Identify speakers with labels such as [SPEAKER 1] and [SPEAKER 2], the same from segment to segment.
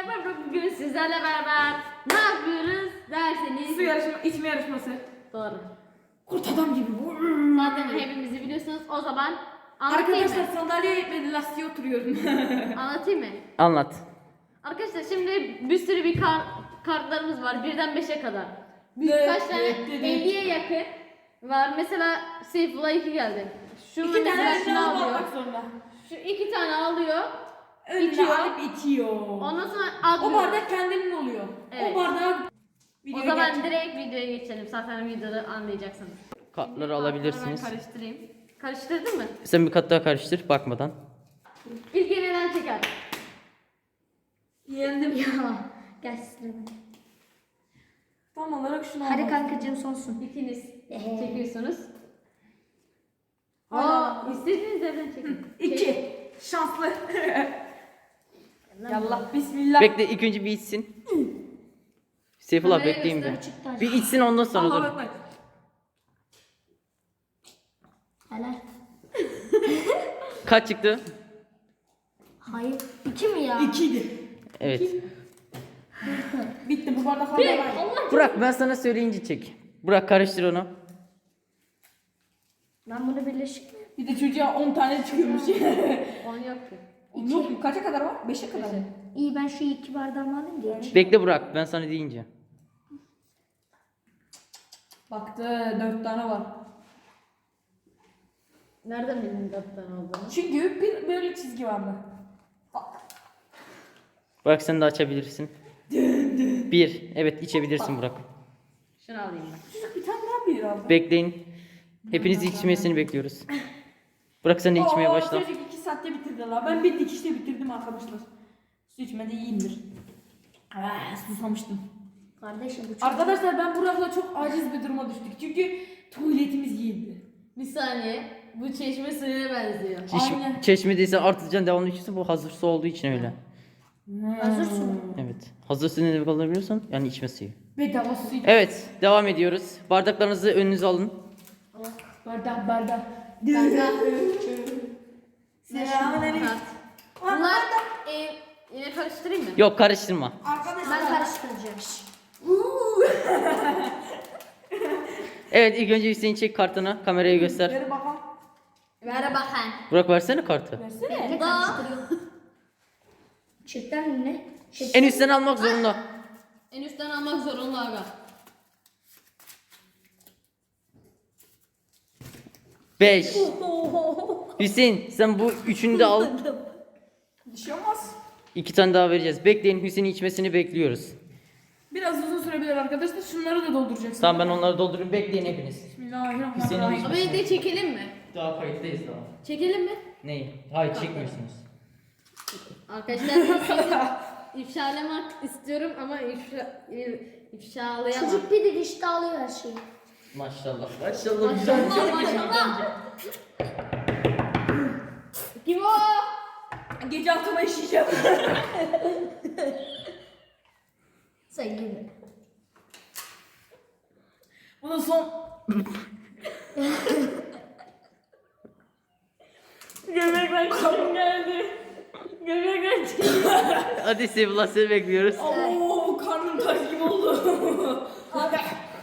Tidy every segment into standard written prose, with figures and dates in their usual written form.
[SPEAKER 1] merhaba. Bugün sizlerle beraber ne yapıyoruz derseniz.
[SPEAKER 2] Su yarışma, içme yarışması.
[SPEAKER 1] Doğru.
[SPEAKER 2] Kurt adam gibi bu.
[SPEAKER 1] Zaten hepimizi biliyorsunuz. O zaman anlatayım
[SPEAKER 2] Arkadaşlar
[SPEAKER 1] mı?
[SPEAKER 2] sandalyeye ve lastiğe oturuyorum.
[SPEAKER 1] Anlatayım mı?
[SPEAKER 3] Anlat.
[SPEAKER 1] Arkadaşlar şimdi bir sürü kartlarımız var. 1'den 5'e kadar. Birkaç tane 50'ye yakın var. Mesela Seyfullah 2 geldi. Şu
[SPEAKER 2] İki
[SPEAKER 1] mesela
[SPEAKER 2] tane
[SPEAKER 1] şunu
[SPEAKER 2] şunu
[SPEAKER 1] alıyor.
[SPEAKER 2] almak zorunda.
[SPEAKER 1] Şu 2 tane alıyor.
[SPEAKER 2] Önüne
[SPEAKER 1] İçiyor.
[SPEAKER 2] alıp içiyor.
[SPEAKER 1] Ondan sonra alıyor.
[SPEAKER 2] O bardak kendinin oluyor.
[SPEAKER 1] Evet.
[SPEAKER 2] O bardağı
[SPEAKER 1] O zaman direkt videoya geçelim. Zaten videoda anlayacaksınız.
[SPEAKER 3] Kartları alabilirsiniz.
[SPEAKER 1] Ben karıştırayım. Karıştırdın mı?
[SPEAKER 3] Sen bir kat daha karıştır bakmadan.
[SPEAKER 1] İlk yeniden çeker.
[SPEAKER 2] yendim.
[SPEAKER 4] Ya gel sıra.
[SPEAKER 2] Tam olarak şunu
[SPEAKER 4] Hadi
[SPEAKER 2] almak.
[SPEAKER 4] kankacığım sonsun.
[SPEAKER 1] İkiniz çekiyorsunuz.
[SPEAKER 2] Hala.
[SPEAKER 1] İstediğiniz yerden çekin.
[SPEAKER 2] 2. Şanslı. Yallah bismillah.
[SPEAKER 3] Bekle ilk önce bir içsin. Seyfullah
[SPEAKER 1] Kameraya
[SPEAKER 3] bekleyin bir.
[SPEAKER 1] göster.
[SPEAKER 4] Çıktı.
[SPEAKER 3] Bir içsin ondan sonra
[SPEAKER 2] Allah
[SPEAKER 3] dur.
[SPEAKER 2] bakmayın.
[SPEAKER 4] Helal.
[SPEAKER 3] Kaç çıktı?
[SPEAKER 4] Hayır. 2 mi ya?
[SPEAKER 2] 2'ydi.
[SPEAKER 3] Evet.
[SPEAKER 2] Bitti bu bardaklar da var.
[SPEAKER 3] Burak ben sana söyleyince çek. Burak karıştır onu.
[SPEAKER 4] Ben bunu birleşik.
[SPEAKER 2] Bir de çocuğa 10 tane çıkıyormuş.
[SPEAKER 1] 10 yok ki.
[SPEAKER 2] Yok mu? Kaça kadar var? 5'e kadar mı?
[SPEAKER 4] İyi ben şu 2 bardağımı alayım diye.
[SPEAKER 3] Bekle Burak ben sana deyince.
[SPEAKER 2] Baktı 4 tane var.
[SPEAKER 1] Nereden bildin 4 tane olduğunu?
[SPEAKER 2] Çünkü bir böyle çizgi vardı. Bak.
[SPEAKER 3] Burak sen de açabilirsin. Bir. Evet içebilirsin Burak.
[SPEAKER 1] Şunu alayım ben.
[SPEAKER 2] Bir tane daha bir aldı.
[SPEAKER 3] Bekleyin. Hepiniz içmesini bekliyoruz. Burak sen de içmeye
[SPEAKER 2] Oo,
[SPEAKER 3] başla.
[SPEAKER 2] Çocuk 2 saatte bitirdi la. Ben bir dikişte bitirdim arkadaşlar. Su içmede iyiyimdir. Susamıştım.
[SPEAKER 4] Kardeşim bu çok.
[SPEAKER 2] Arkadaşlar ben Burak'la çok aciz bir duruma düştük. Çünkü tuvaletimiz giyildi.
[SPEAKER 1] Bir saniye. Bu çeşme suyuna benziyor.
[SPEAKER 2] Aynen.
[SPEAKER 3] Çeşmedeyse artırcan devamlı içiyorsun. Bu hazır su olduğu için öyle.
[SPEAKER 4] Hazır su mu?
[SPEAKER 3] Evet. Hazır su ne demek alabiliyorsan yani içme suyu.
[SPEAKER 2] Bedava su iç.
[SPEAKER 3] Evet devam ediyoruz. Bardaklarınızı önünüze alın.
[SPEAKER 2] Bardak.
[SPEAKER 1] Kanka.
[SPEAKER 2] Selamünaleyküm.
[SPEAKER 1] Kart. Bunlar yine karıştırayım mı?
[SPEAKER 3] Yok karıştırma.
[SPEAKER 2] Arkadaşlar.
[SPEAKER 4] Ben karıştıracağım.
[SPEAKER 3] Evet ilk önce Hüseyin çek kartını. Kameraya göster.
[SPEAKER 2] Ver bakalım.
[SPEAKER 1] Ver bakalım.
[SPEAKER 3] Burak versene kartı.
[SPEAKER 2] Versene.
[SPEAKER 4] Ne karıştırıyorum? Çiftten ne?
[SPEAKER 3] En üstten almak zorunda.
[SPEAKER 1] En üstten almak zorunda aga.
[SPEAKER 3] 5. Hüseyin sen bu üçünü de al.
[SPEAKER 2] Bir şey olmaz.
[SPEAKER 3] 2 tane daha vereceğiz. Bekleyin Hüseyin'in içmesini bekliyoruz.
[SPEAKER 2] Biraz uzun sürebilir arkadaşlar. Şunları da dolduracaksın.
[SPEAKER 3] Tamam ben onları doldurayım. Bekleyin hepiniz.
[SPEAKER 2] Bismillahirrahmanirrahim.
[SPEAKER 1] Ama de çekelim mi?
[SPEAKER 3] Daha kayıttayız daha.
[SPEAKER 1] Çekelim mi?
[SPEAKER 3] Neyi? Hayır çekmiyorsunuz.
[SPEAKER 1] Arkadaşlar sizi ifşalamak istiyorum ama ifşalayamam.
[SPEAKER 4] Çocuk bir dikişte alıyor her şeyi.
[SPEAKER 3] Maşallah. Maşallah. Güzel.
[SPEAKER 1] Maşallah. Kim o?
[SPEAKER 2] Gece altıma işeyeceğim.
[SPEAKER 4] Sen gibi.
[SPEAKER 2] Bunun son... Göbekten karım geldi. Göbekten çıktı.
[SPEAKER 3] Hadi Sevullah seni bekliyoruz.
[SPEAKER 2] Oo karnım taş gibi oldu. Abi.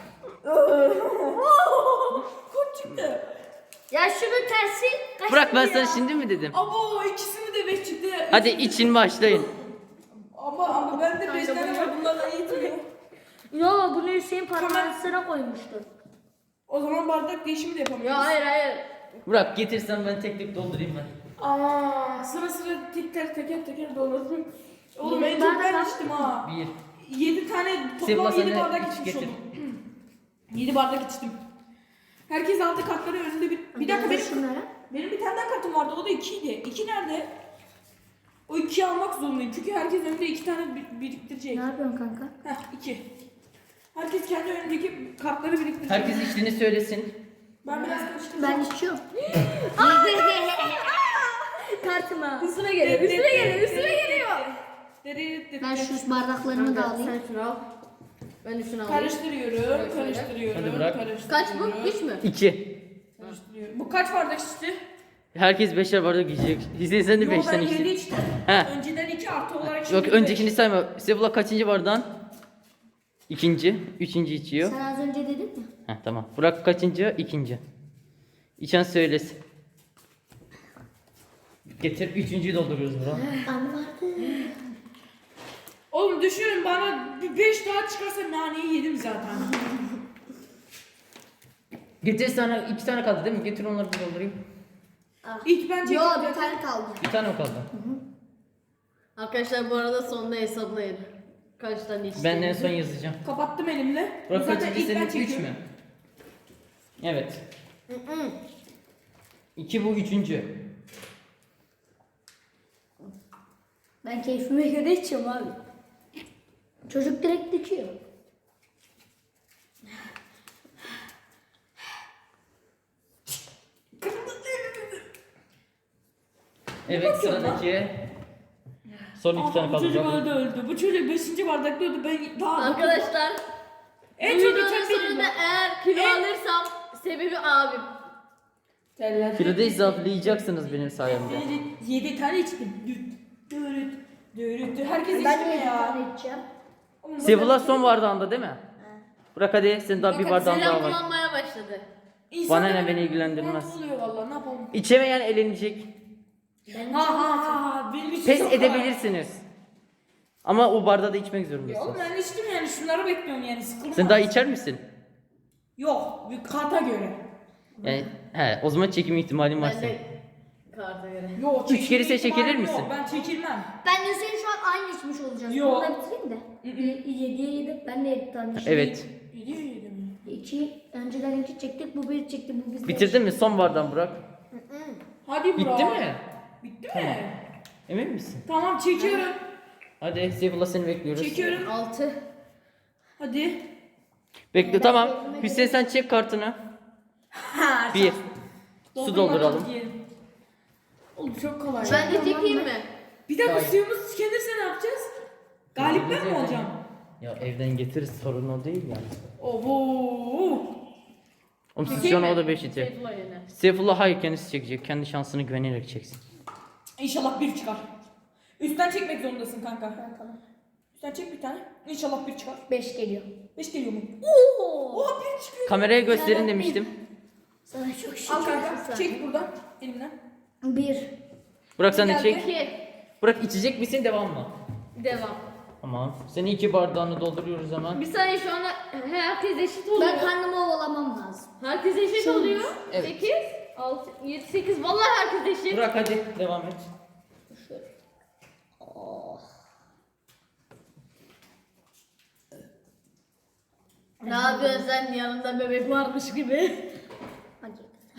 [SPEAKER 2] Kurt çıktı.
[SPEAKER 4] Ya şunun tersi kaç
[SPEAKER 3] Burak ben
[SPEAKER 4] lira
[SPEAKER 3] sana
[SPEAKER 4] ya?
[SPEAKER 3] şimdi mi dedim?
[SPEAKER 2] Abo ikisini de 5 çıktı.
[SPEAKER 3] Hadi için başlayın.
[SPEAKER 2] Ama ben de 5 tane var bunlarla yetmiyor.
[SPEAKER 4] Yo bunu Hüseyin parmağına koymuştu.
[SPEAKER 2] O zaman bardak değişimi de yapamıyoruz.
[SPEAKER 1] Yok hayır.
[SPEAKER 3] Burak getirsen ben tek tek doldurayım ben.
[SPEAKER 2] Aa, sıra teker doldurdum. Oğlum en
[SPEAKER 4] Ben
[SPEAKER 2] çok
[SPEAKER 4] de
[SPEAKER 2] ben
[SPEAKER 4] ben-
[SPEAKER 2] içtim ha.
[SPEAKER 3] 1.
[SPEAKER 2] 7 tane
[SPEAKER 3] Sevgili
[SPEAKER 2] toplam 7
[SPEAKER 3] sen de
[SPEAKER 2] bardak
[SPEAKER 3] iç
[SPEAKER 2] içmiş
[SPEAKER 3] getir.
[SPEAKER 2] oldum. 7 bardak içtim. Herkes aldı kartları önünde bir dakika benim bir tane daha kartım vardı o da 2'ydi. 2 nerede? O 2'yi almak zorundayım çünkü herkes önünde 2 tane biriktirecek.
[SPEAKER 4] Ne yapıyorsun kanka?
[SPEAKER 2] Heh 2. Herkes kendi önündeki kartları biriktirecek.
[SPEAKER 3] Herkes içtiğini söylesin.
[SPEAKER 2] Ben biraz karıştırdım.
[SPEAKER 4] Ben içiyorum. Kartıma.
[SPEAKER 1] Üstüne geliyor.
[SPEAKER 4] Ben şu bardaklarımı da alayım.
[SPEAKER 1] Sen şunu al. Ben de şunu alayım.
[SPEAKER 2] Karıştırıyorum.
[SPEAKER 3] Hadi bırak.
[SPEAKER 1] Kaç bu? 3 mü?
[SPEAKER 3] 2.
[SPEAKER 2] Karıştırıyorum. Bu kaç bardak içti?
[SPEAKER 3] Herkes 5'er bardak yiyecek. Hüseyin sen de
[SPEAKER 2] Yo
[SPEAKER 3] 5'ten
[SPEAKER 2] ben 7
[SPEAKER 3] içtin.
[SPEAKER 2] içtim.
[SPEAKER 3] He.
[SPEAKER 2] Önceden 2 ki artı olarak
[SPEAKER 3] Yok
[SPEAKER 2] şimdi
[SPEAKER 3] öncekini
[SPEAKER 2] beş.
[SPEAKER 3] sayma. Seyfullah kaçıncı bardağın? İkinci. Üçüncü içiyor.
[SPEAKER 4] Sen az önce dedin mi?
[SPEAKER 3] Heh, tamam. Burak kaçıncı? İkinci. İçen söylesin. Getir üçüncüyü dolduruyoruz Burak.
[SPEAKER 4] Anne vardı.
[SPEAKER 2] Oğlum düşünün bana bir 5 daha çıkarsa naneyi yedim zaten.
[SPEAKER 3] Getir sana iki tane kaldı değil mi? Getir onları bir doldurayım.
[SPEAKER 2] İlk ben çektim.
[SPEAKER 4] Yok bir tane kaldı.
[SPEAKER 3] Bir tane mi kaldı?
[SPEAKER 1] Arkadaşlar bu arada sonunda hesaplayın. Kaç tane içti?
[SPEAKER 3] Ben en son yazacağım.
[SPEAKER 2] Kapattım elimle.
[SPEAKER 3] Burak
[SPEAKER 2] Zaten
[SPEAKER 3] kaçıncı
[SPEAKER 2] ilk ben
[SPEAKER 3] senin? Üç
[SPEAKER 2] çekiyorum.
[SPEAKER 3] mü? Evet. İki bu üçüncü.
[SPEAKER 4] Ben keyfime göre içiyorum abi. Çocuk direkt dikiyor.
[SPEAKER 3] Evet sıradaki. Son iki tane
[SPEAKER 2] Bu
[SPEAKER 3] kaldı.
[SPEAKER 2] çocuk
[SPEAKER 3] Burak.
[SPEAKER 2] öldü. Bu çocuk 5. bardakta öldü. Ben daha...
[SPEAKER 1] Arkadaşlar
[SPEAKER 2] En
[SPEAKER 1] bu
[SPEAKER 2] çok
[SPEAKER 1] videonun
[SPEAKER 2] içen benim.
[SPEAKER 1] sonunda eğer kilo alırsam sebebi abim.
[SPEAKER 3] Kiloda zayıflayacaksınız benim sayemde.
[SPEAKER 2] 7 tane içtim. Dürüt. Dürüt. Herkes
[SPEAKER 4] Ben
[SPEAKER 2] içti
[SPEAKER 4] de
[SPEAKER 2] mi
[SPEAKER 4] bir
[SPEAKER 2] ya?
[SPEAKER 4] tane içeceğim.
[SPEAKER 3] Seyfullah son bardağında değil mi? Burak hadi senin daha bir bardağın
[SPEAKER 1] Selam
[SPEAKER 3] daha var.
[SPEAKER 1] kullanmaya başladı.
[SPEAKER 3] Bana ne, beni ilgilendirmez.
[SPEAKER 2] Ne oluyor valla ne yapalım?
[SPEAKER 3] İçemeyen elenecek.
[SPEAKER 4] Ben
[SPEAKER 2] Ha ha ha benim için
[SPEAKER 3] Pes
[SPEAKER 2] çok var.
[SPEAKER 3] edebilirsiniz. Ama o bardağı da içmek
[SPEAKER 2] Ya oğlum
[SPEAKER 3] zorundasınız.
[SPEAKER 2] ben içtim yani şunları bekliyorum yani sıkılmaz.
[SPEAKER 3] Sen daha içer misin?
[SPEAKER 2] Yok bir kata göre.
[SPEAKER 3] Yani o zaman çekim ihtimalin var
[SPEAKER 1] Ben
[SPEAKER 3] senin.
[SPEAKER 1] de karta göre.
[SPEAKER 2] Yok
[SPEAKER 3] Üç kere sen çekilir misin?
[SPEAKER 2] Yok ben çekilmem.
[SPEAKER 4] Ben de senin şu an aynı içmiş olacağız.
[SPEAKER 2] Yok.
[SPEAKER 4] Bunu da bitireyim de. 7'ye 7. Ben de 7 tane içtim.
[SPEAKER 3] Evet.
[SPEAKER 2] Gidiyor yedim.
[SPEAKER 4] 2 önceden 2 çektik. Bu 1 çekti. Bu bizde.
[SPEAKER 3] Bitirdin mi? Son bardağın Burak.
[SPEAKER 2] Hadi Burak.
[SPEAKER 3] Bitti mi?
[SPEAKER 2] Bitti
[SPEAKER 3] Tamam.
[SPEAKER 2] mi?
[SPEAKER 3] Emin misin?
[SPEAKER 2] Tamam çekiyorum.
[SPEAKER 3] Hadi Seyfullah seni bekliyoruz.
[SPEAKER 2] Çekiyorum.
[SPEAKER 1] 6.
[SPEAKER 2] Hadi.
[SPEAKER 3] Bekle tamam. Hüseyin sen çek kartını.
[SPEAKER 2] Ha.
[SPEAKER 3] Bir. Su dolduralım.
[SPEAKER 2] Oğlum çok kolay.
[SPEAKER 1] Ben de çekeyim mi?
[SPEAKER 2] Bir dakika
[SPEAKER 3] Hayır.
[SPEAKER 2] suyumuz tükenirse ne yapacağız? Galip ben mi olacağım?
[SPEAKER 3] Ya evden getiririz sorun o değil yani.
[SPEAKER 2] Oho.
[SPEAKER 3] Oğlum siz
[SPEAKER 2] Çekeyim
[SPEAKER 3] şu an
[SPEAKER 2] mi?
[SPEAKER 3] o da 5 itiyor.
[SPEAKER 1] Seyfullah yine.
[SPEAKER 3] Seyfullah hayır kendisi çekecek. Kendi şansını güvenerek çeksin.
[SPEAKER 2] İnşallah bir çıkar. Üstten çekmek zorundasın kanka.
[SPEAKER 4] Tamam.
[SPEAKER 2] Üstten çek bir tane. İnşallah bir çıkar.
[SPEAKER 4] 5 geliyor.
[SPEAKER 2] 5 geliyor mu?
[SPEAKER 4] Oo.
[SPEAKER 2] Oha bir çıkıyor.
[SPEAKER 3] Kameraya gösterin demiştim.
[SPEAKER 4] Sana çok şükür.
[SPEAKER 2] Al kanka. Çek buradan. Elimden.
[SPEAKER 4] 1.
[SPEAKER 3] Burak sen de
[SPEAKER 2] Geldi.
[SPEAKER 3] çek.
[SPEAKER 1] 2.
[SPEAKER 3] Burak içecek misin devam mı?
[SPEAKER 1] Devam.
[SPEAKER 3] Tamam. Senin 2 bardağını dolduruyoruz hemen.
[SPEAKER 1] Bir saniye şu anda herkes eşit oluyor.
[SPEAKER 4] Ben karnımı ovalamam lazım.
[SPEAKER 1] Herkes eşit
[SPEAKER 4] Şu-
[SPEAKER 1] oluyor.
[SPEAKER 3] Evet.
[SPEAKER 1] 8, 6, 7, 8. Vallahi herkes eşit.
[SPEAKER 3] Burak hadi devam et.
[SPEAKER 1] Ne yapıyorsun sen yanında bebek varmış gibi?
[SPEAKER 4] Hadi.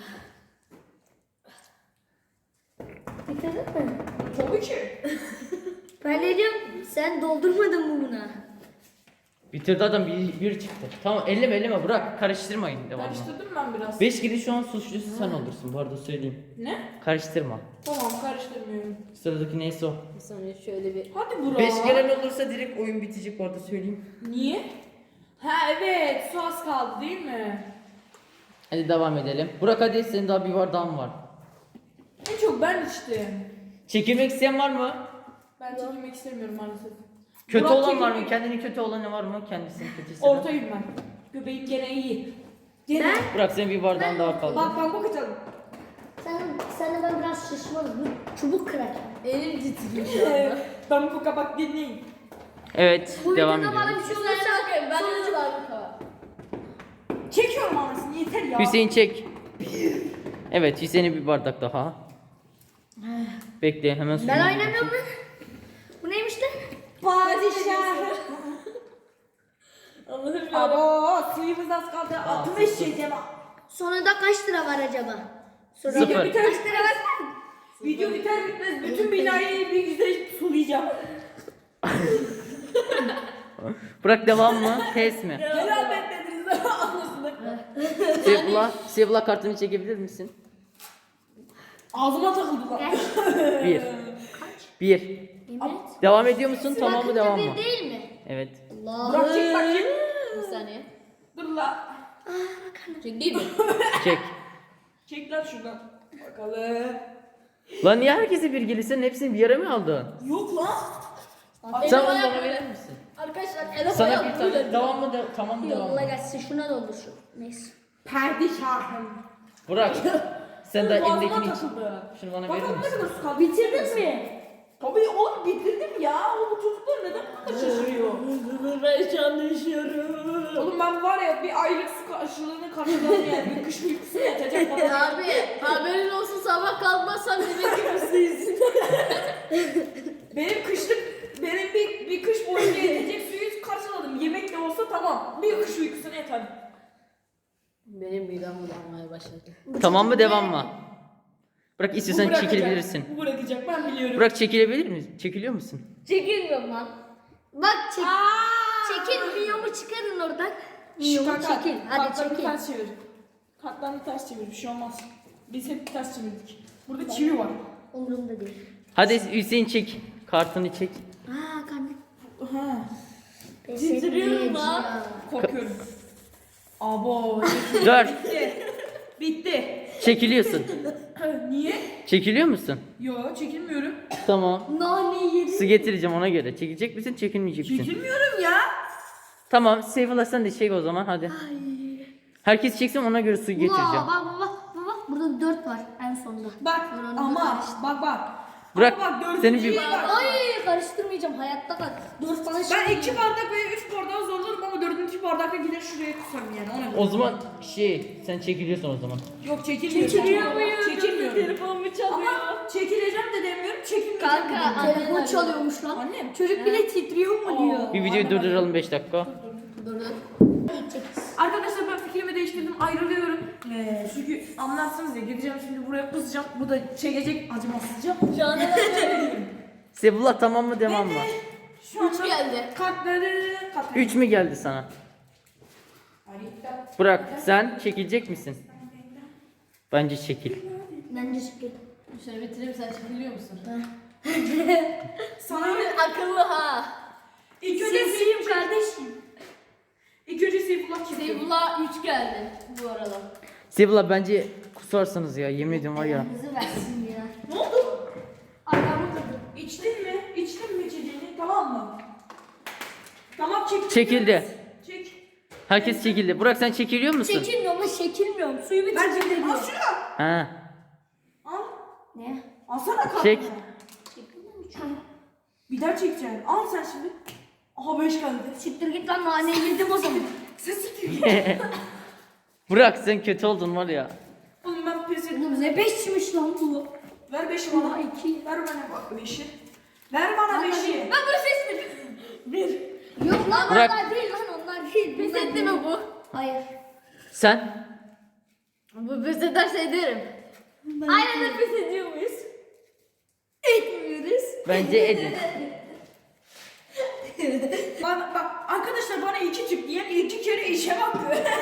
[SPEAKER 4] Bitirdin mi?
[SPEAKER 2] Tabii ki.
[SPEAKER 4] Ben ne diyorum? Sen doldurmadın mı buna?
[SPEAKER 3] Bitirdi adam bir çıktı. Tamam elleme Burak karıştırmayın devamlı.
[SPEAKER 2] Karıştırdım ben biraz.
[SPEAKER 3] 5 gidi şu an suçlusu sen olursun bu arada söyleyeyim.
[SPEAKER 2] Ne?
[SPEAKER 3] Karıştırma.
[SPEAKER 2] Tamam karıştırmıyorum.
[SPEAKER 3] Sıradaki neyse o.
[SPEAKER 1] Bir saniye şöyle bir.
[SPEAKER 2] Hadi Burak.
[SPEAKER 3] 5 gelen olursa direkt oyun bitecek bu arada söyleyeyim.
[SPEAKER 2] Niye? Ha evet su az kaldı değil mi?
[SPEAKER 3] Hadi devam edelim. Burak hadi senin daha bir bardağın var.
[SPEAKER 2] En çok ben içtim.
[SPEAKER 3] Çekilmek isteyen var mı?
[SPEAKER 2] Ben çekilmek istemiyorum maalesef.
[SPEAKER 3] Kötü
[SPEAKER 2] Burak
[SPEAKER 3] olan var mı?
[SPEAKER 2] çekilmek-
[SPEAKER 3] Kendini kötü olanı var mı? Kendisini kötü hisseden.
[SPEAKER 2] Ortayım ben. Göbeğim gene iyi. Gene.
[SPEAKER 3] Burak senin bir bardağın daha kaldı.
[SPEAKER 2] Bak bakacağım.
[SPEAKER 4] Sen de ben biraz şişmanım. Bu çubuk kırar.
[SPEAKER 1] Elim titriyor şu anda.
[SPEAKER 2] Ben bu kabak dinleyin.
[SPEAKER 3] Evet
[SPEAKER 4] Bu
[SPEAKER 3] devam
[SPEAKER 4] videoda bana
[SPEAKER 3] ediyoruz.
[SPEAKER 4] bir şey
[SPEAKER 1] Bir saniye
[SPEAKER 4] olursa
[SPEAKER 1] bakayım. Ben
[SPEAKER 4] sonucu
[SPEAKER 1] de var.
[SPEAKER 2] Çekiyorum anasını yeter ya.
[SPEAKER 3] Hüseyin çek. Evet Hüseyin'e bir bardak daha. Bekle hemen
[SPEAKER 4] Ben
[SPEAKER 3] suyunu
[SPEAKER 4] oynamıyorum lan. Bu neymiş lan?
[SPEAKER 2] Padişah.
[SPEAKER 1] Allah'ım ya.
[SPEAKER 2] Abo suyumuz az kaldı. Altıma işleyeceğim.
[SPEAKER 4] Sonunda kaç lira var acaba? Sonra
[SPEAKER 3] Sıfır.
[SPEAKER 2] Video biter,
[SPEAKER 4] Kaç lira var?
[SPEAKER 2] video biter bitmez bütün binayı bir güzel sulayacağım.
[SPEAKER 3] Burak devam mı? Test mi?
[SPEAKER 2] Helal beklediniz anasını.
[SPEAKER 3] Seyfullah kartını çekebilir misin?
[SPEAKER 2] Ağzıma takıldı lan.
[SPEAKER 4] Kaç?
[SPEAKER 3] 1. 1.
[SPEAKER 4] Yemin et.
[SPEAKER 3] Devam ediyor musun? Tamam mı
[SPEAKER 4] Bakınca
[SPEAKER 3] devam
[SPEAKER 4] bir
[SPEAKER 3] mı?
[SPEAKER 4] değil mi?
[SPEAKER 3] Evet.
[SPEAKER 4] Allah.
[SPEAKER 2] Bırak çek bakayım.
[SPEAKER 1] Bir saniye.
[SPEAKER 2] Dur la.
[SPEAKER 1] Çekeyim mi?
[SPEAKER 3] Çek.
[SPEAKER 2] Çek lan şuradan. Bakalım.
[SPEAKER 3] Lan niye herkese bir gelirsen hepsini bir yere mi aldın?
[SPEAKER 2] Yok lan.
[SPEAKER 3] Sen
[SPEAKER 1] Elim
[SPEAKER 3] onu
[SPEAKER 1] ayağım
[SPEAKER 3] bana
[SPEAKER 1] böyle.
[SPEAKER 3] verir misin?
[SPEAKER 1] Arkadaşlar elim
[SPEAKER 3] Sana
[SPEAKER 1] ayağım
[SPEAKER 3] bir tane.
[SPEAKER 1] böyle.
[SPEAKER 3] Devam mı? Tamam mı? Devam
[SPEAKER 4] Yolla
[SPEAKER 3] mı?
[SPEAKER 4] gelsin şuna doldur şu. Neyse.
[SPEAKER 2] Padişahım.
[SPEAKER 3] Burak. Sen de
[SPEAKER 2] Boğazıma
[SPEAKER 3] elindekini iç.
[SPEAKER 2] takıldı.
[SPEAKER 3] Şunu bana verir
[SPEAKER 2] Bakalım ne
[SPEAKER 3] misin?
[SPEAKER 2] kadar su kaldı.
[SPEAKER 4] Bitirdin mi?
[SPEAKER 2] Tabii oğlum bitirdim ya. Oğlum bu çocuklar neden bu kadar şaşırıyor?
[SPEAKER 1] Ben şu anda üşüyorum.
[SPEAKER 2] Oğlum ben var ya bir aylık su karşılığını karşıladım yani. Bir kış uykusu yetecek bana.
[SPEAKER 1] Abi haberin olsun sabah kalkmazsam yemek yemesiyizin.
[SPEAKER 2] Benim bir kış boyunca yetecek suyu karşıladım. Yemek de olsa tamam. Bir kış uykusuna yeter.
[SPEAKER 1] Benim midem bulanmaya başladı.
[SPEAKER 3] Tamam mı? Devam mı? Burak istiyorsan
[SPEAKER 2] Bu bırakacak.
[SPEAKER 3] çekilebilirsin.
[SPEAKER 2] Bu bırakacak ben biliyorum.
[SPEAKER 3] Burak çekilebilir misin? Çekiliyor musun?
[SPEAKER 1] Çekilmiyorum lan. Bak
[SPEAKER 4] Çekil miyomu çıkarın oradan.
[SPEAKER 2] Şş,
[SPEAKER 4] Miyomu
[SPEAKER 2] kanka,
[SPEAKER 4] çekil. Hadi
[SPEAKER 2] kartlarını
[SPEAKER 4] çekil.
[SPEAKER 2] ters çevir. Kartlarını ters çevir bir şey olmaz. Biz hep ters çevirdik. Burada çivi var.
[SPEAKER 4] Umurumda değil.
[SPEAKER 3] Hadi Hüseyin çek. Kartını çek.
[SPEAKER 4] Aa karnım.
[SPEAKER 2] Ha.
[SPEAKER 1] Titriyorum lan.
[SPEAKER 2] Korkuyorum. Abo.
[SPEAKER 3] 4.
[SPEAKER 2] Bitti. Bitti.
[SPEAKER 3] Çekiliyorsun.
[SPEAKER 2] Niye?
[SPEAKER 3] Çekiliyor musun?
[SPEAKER 2] Yo çekilmiyorum.
[SPEAKER 3] Tamam.
[SPEAKER 4] Nane yedim.
[SPEAKER 3] Su getireceğim ona göre. Çekilecek misin? Çekilmeyecek misin?
[SPEAKER 2] Çekilmiyorum ya.
[SPEAKER 3] Tamam. Seyfullah sen de çek o zaman hadi. Herkes çeksin ona göre su getireceğim.
[SPEAKER 4] Bak burada 4 var en sonda.
[SPEAKER 2] Bak
[SPEAKER 4] Buranı
[SPEAKER 2] ama
[SPEAKER 4] karıştır.
[SPEAKER 2] bak.
[SPEAKER 3] Bırak,
[SPEAKER 2] Ama bak
[SPEAKER 3] senin bir-
[SPEAKER 2] dördüncüye bak.
[SPEAKER 4] Ay karıştırmayacağım hayatta kal. 4 tane şey.
[SPEAKER 2] Ben 2 bardak veya 3 bardağı zorlarım ama 4. bardakta gider şuraya kusarım yani. Ona göre.
[SPEAKER 3] O zaman sen çekiliyorsun o zaman.
[SPEAKER 2] Yok çekilmiyorum.
[SPEAKER 4] Çekiliyor muyum?
[SPEAKER 2] Çekilmiyorum.
[SPEAKER 1] Telefonumu çalıyor.
[SPEAKER 2] Ama çekileceğim de demiyorum, çekilmeyeceğim de
[SPEAKER 1] Kanka,
[SPEAKER 2] demiyorum.
[SPEAKER 4] Telefon çalıyormuş lan.
[SPEAKER 2] Annem.
[SPEAKER 4] Çocuk bile titriyor mu diyor.
[SPEAKER 3] Bir videoyu durduralım 5 dakika.
[SPEAKER 1] Dur.
[SPEAKER 4] İlk çekiz.
[SPEAKER 2] Arkadaşlar ben fikrimi değiştirdim, ayrılıyorum. Çünkü anlarsınız ya, gideceğim şimdi buraya kusacağım. Bu da çekecek acımasızca.
[SPEAKER 1] Şu anda
[SPEAKER 3] Seyfullah tamam mı devam mı?
[SPEAKER 2] Şu anda
[SPEAKER 1] 3 geldi.
[SPEAKER 2] kartları
[SPEAKER 3] 3 mü geldi sana? Burak sen çekilecek misin? Bence çekil.
[SPEAKER 4] Bence çekil.
[SPEAKER 1] Şöyle bitireyim sen çekiliyor musun?
[SPEAKER 2] Sana
[SPEAKER 1] Akıllı ha.
[SPEAKER 2] ilk önce
[SPEAKER 4] Sesiyim kardeşim.
[SPEAKER 2] İlk önce Seyfullah çekiyor.
[SPEAKER 1] Seyfullah 3 geldi bu arada.
[SPEAKER 3] Seyfullah bence kusarsınız ya yemin ediyorum var ya.
[SPEAKER 4] Bizi versin ya.
[SPEAKER 2] Ne oldu?
[SPEAKER 4] Ayağımı kırdım.
[SPEAKER 2] İçtin mi? İçtin mi içeceğini? Tamam mı? Tamam çek.
[SPEAKER 3] Çekildi.
[SPEAKER 2] Çek.
[SPEAKER 3] Herkes çekildi. Burak sen çekiliyor musun?
[SPEAKER 4] Çekilmiyorum ama çekilmiyorum. Suyu
[SPEAKER 2] Ben
[SPEAKER 4] bitirdim
[SPEAKER 2] çektim.
[SPEAKER 4] diyor.
[SPEAKER 2] Al şunu.
[SPEAKER 3] Ha.
[SPEAKER 2] Al.
[SPEAKER 4] Ne?
[SPEAKER 2] Alsana kartını.
[SPEAKER 3] Çek.
[SPEAKER 2] Bir daha çekeceksin. Al sen şimdi. Aha 5 geldi.
[SPEAKER 4] Siktir git lan naneyi yedim o zaman.
[SPEAKER 2] Sen siktir.
[SPEAKER 3] Burak sen kötü oldun var ya.
[SPEAKER 2] Oğlum ben pes ettim.
[SPEAKER 4] Oğlum ne beşmiş lan bu?
[SPEAKER 2] Ver 5'i bana.
[SPEAKER 4] Aa, 2.
[SPEAKER 2] Ver bana 5'i. Ver bana 5'i.
[SPEAKER 1] Ben bunu seçtim.
[SPEAKER 4] Yok lan
[SPEAKER 3] Bırak.
[SPEAKER 4] onlar değil lan onlar değil.
[SPEAKER 1] Pes
[SPEAKER 4] Bunlar
[SPEAKER 1] etti
[SPEAKER 4] değil.
[SPEAKER 1] mi bu?
[SPEAKER 4] Hayır.
[SPEAKER 3] Sen?
[SPEAKER 1] Bu pes ederse ederim. Aynen de pes ediyor muyuz?
[SPEAKER 4] Etmiyoruz.
[SPEAKER 3] Bence edin.
[SPEAKER 2] Bak arkadaşlar bana 2 çık diyen 2 kere işe hakkı.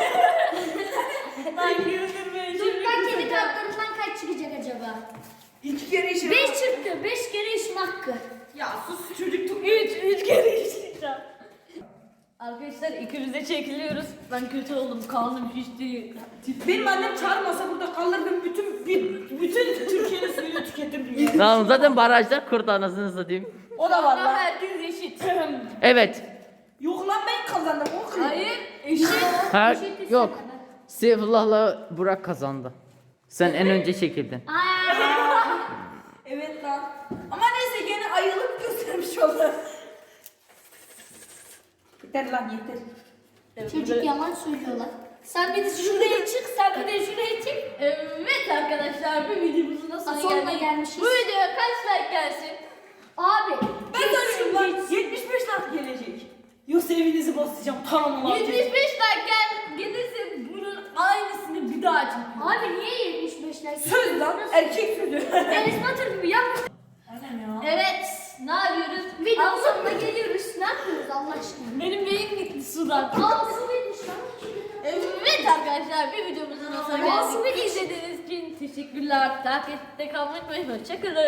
[SPEAKER 1] Ay güldürme.
[SPEAKER 4] Dur kedi kartlarından kaç çıkacak acaba?
[SPEAKER 2] 2 kere işe
[SPEAKER 4] 5 çıktı. 5 kere işim hakkı.
[SPEAKER 2] Ya sus çocuk tut.
[SPEAKER 1] 3 kere işleyeceğim. Arkadaşlar ikimiz de çekiliyoruz. Ben kötü oldum. Karnım şişti.
[SPEAKER 2] Benim annem çağırmasa burada kalırdım bütün Türkiye'nin suyunu tüketirdim ya.
[SPEAKER 3] Tamam zaten barajlar kurdu anasını satayım.
[SPEAKER 2] O da var
[SPEAKER 1] Ama
[SPEAKER 2] lan.
[SPEAKER 1] herkes eşit.
[SPEAKER 3] Evet.
[SPEAKER 2] Yok lan ben kazandım o kız.
[SPEAKER 1] Hayır eşit.
[SPEAKER 3] Her yok. Seyfullah'la Burak kazandı. Sen en önce çekildin.
[SPEAKER 2] Evet lan. Ama neyse gene ayılıp göstermiş oldu. Yeter lan yeter.
[SPEAKER 4] Çocuk yalan söylüyorlar. Sen bir de şuraya çık, sen bir de şuraya çık.
[SPEAKER 1] Evet arkadaşlar bu videomuzun da sonuna
[SPEAKER 4] Sonuna
[SPEAKER 1] geldik.
[SPEAKER 4] gelmişiz.
[SPEAKER 1] Bu videoya kaç like gelsin?
[SPEAKER 4] Abi.
[SPEAKER 2] Ben söyleyeyim lan 75 like gelecek. Yoksa evinizi basacağım tamam mı?
[SPEAKER 1] 75 like gelirse bunun aynısını bir daha çekelim.
[SPEAKER 4] Abi niye 75 like?
[SPEAKER 2] Söz lan erkek sözü.
[SPEAKER 4] Enes Batur gibi yapma.
[SPEAKER 2] Aynen ya.
[SPEAKER 1] Evet ne yapıyoruz?
[SPEAKER 4] Videonun sonuna geliyoruz. Ne yapıyoruz Allah aşkına?
[SPEAKER 1] Benim beyin gitti sudan.
[SPEAKER 4] Aa su bitmiş lan.
[SPEAKER 1] Evet arkadaşlar bir videomuzun da sonuna
[SPEAKER 4] Nasıl
[SPEAKER 1] geldik. İzlediğiniz için teşekkürler. Takipte kalmayı unutmayın. Hoşçakalın.